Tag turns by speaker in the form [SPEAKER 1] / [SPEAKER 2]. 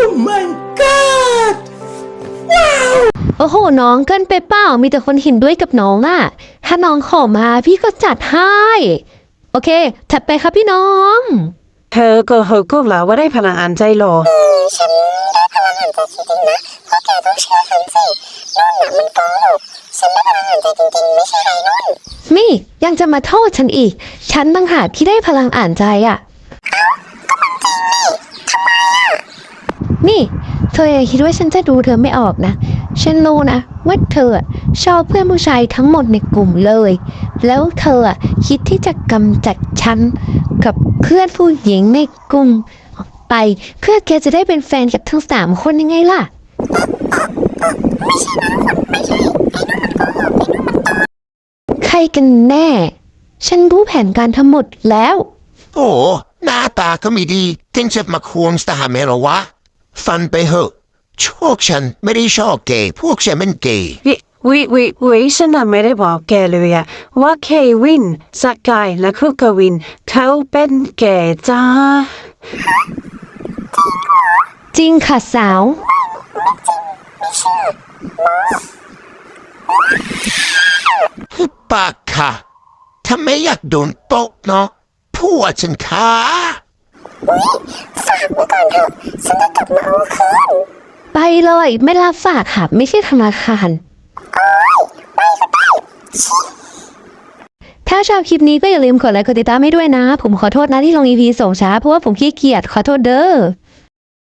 [SPEAKER 1] my god
[SPEAKER 2] โอ้โหน้องเกินไปเปล่ามีแต่คนเห็นด้วยกับน้องอะถ้าน้องขอมาพี่ก็จัดให้โอเคถัดไปครับพี่น้อง
[SPEAKER 3] เธอโกหกพวกเราว่าได้พลังอ่านใจเหรอ
[SPEAKER 4] ฉันได้พลังอ่านใจจริงๆนะเพราะแกต้องเชื่อฉันสินั่นน่ะมันโกหกฉันได้พลังอ่านใจจริงๆไม่ใช่ไรนั่น
[SPEAKER 2] มี่ยังจะมาโทษฉันอีกฉันต่างหากที่ได้พลังอ่านใจอะ
[SPEAKER 4] ก็มันจริงนี่ทำไมอ่ะ
[SPEAKER 2] นี่เธออย่าคิดว่าฉันจะดูเธอไม่ออกนะฉันรู้นะว่าเธอชอบเพื่อนผู้ชายทั้งหมดในกลุ่มเลยแล้วเธอคิดที่จะกำจัดฉันกับเพื่อนผู้หญิงในกลุ่มออกไปเพื่อแกจะได้เป็นแฟนกับทั้ง3 คนยังไงล่ะ
[SPEAKER 4] ไม่ใช่นะไม่ใช่ไอ้นั่นมันโกหกไอ้นั่นมันโกหก
[SPEAKER 2] ใครกันแน่ฉันรู้แผนการทั้งหมดแล้ว
[SPEAKER 1] โอ้หน้าตาก็ไม่ดีถึงจะมาควงสถานะหรอวะฟันไปเหอะพวกฉันไม่ได้ชอบเกย์พวกฉันเป็นเกย์
[SPEAKER 3] วิฉันน่ะไม่ได้บอกแกเลยอะว่าเควินสกายและคุกวินเขาเป็นเกย์จ้า
[SPEAKER 2] จริงค่ะสาว
[SPEAKER 1] ฮึบปากค่ะถ้าไม่อยากโดนตกเนาะพวกฉันค่ะ
[SPEAKER 4] ฝากไว้ก่อนเถอะฉันจะกลับมาเอาคืน
[SPEAKER 2] ไปเลยไม่รับฝากค่ะไม่ใช่ธนาคารถ้าชอบคลิปนี้ก็อย่าลืมกดไลค์กดติดตามให้ด้วยนะผมขอโทษนะที่ลง EP ส่งช้าเพราะว่าผมขี้เกียจขอโทษเด้อ